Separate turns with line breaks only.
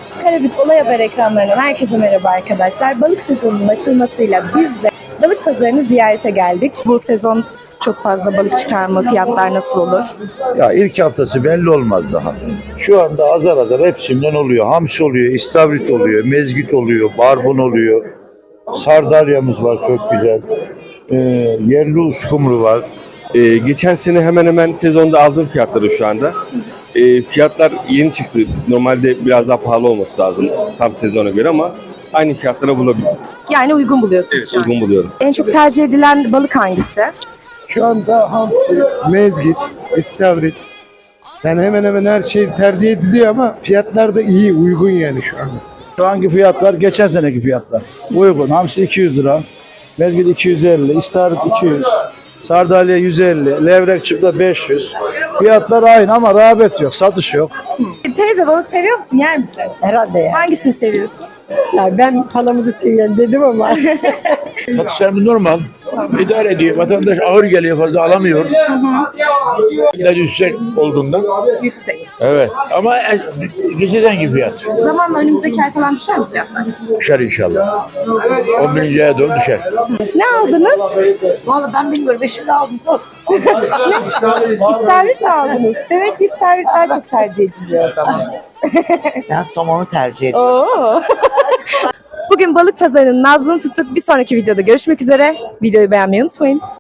Karabük Olay Haber ekranlarından herkese merhaba arkadaşlar. Balık sezonunun açılmasıyla biz de balık pazarını ziyarete geldik. Bu sezon çok fazla balık çıkarma, fiyatlar nasıl olur?
Ya ilk haftası belli olmaz daha. Şu anda azar azar hepsinden oluyor. Hamsi oluyor, istavrit oluyor, mezgit oluyor, barbun oluyor. Sardalyamız var çok güzel. Yerli uskumru var.
Geçen sene hemen hemen sezonda aldığım fiyatları şu anda. Fiyatlar yeni çıktı. Normalde biraz daha pahalı olması lazım tam sezona göre ama aynı fiyatlara bulabilirim.
Yani uygun buluyorsunuz
Evet,
şu an.
uygun buluyorum.
En çok tercih edilen balık hangisi?
Şu anda hamsi, mezgit, istavrit. Yani hemen hemen her şey tercih ediliyor ama fiyatlar da iyi, uygun yani şu anda.
Şu anki fiyatlar geçen seneki fiyatlar. Uygun. Hamsi 200 lira. Mezgit 250, istavrit 200, sardalya 150, levrek çıpla 500. Fiyatlar aynı ama rağbet yok, satış yok.
Teyze balık seviyor musun? Yer misin?
Herhalde ya.
Hangisini seviyorsun?
Yani ben palamızı seviyorum dedim ama.
Satışlarımız normal. İdare ediyor. Vatandaş ağır geliyor, fazla alamıyor. İlaç yüksek olduğundan.
Yüksek.
Evet. Ama geçen gibi fiyat.
Zamanla önümüzdeki ay falan düşer mi fiyatlar?
Düşer inşallah. 11. aya doğru düşer.
Ne aldınız?
Vallahi ben bilmiyorum. Eşimle aldım sor.
İstavrit mi aldınız? Demek ki istavrit daha çok tercih ediliyor.
Ben somonu tercih ediyorum.
Oo. Bugün balık pazarının nabzını tuttuk. Bir sonraki videoda görüşmek üzere. Videoyu beğenmeyi unutmayın.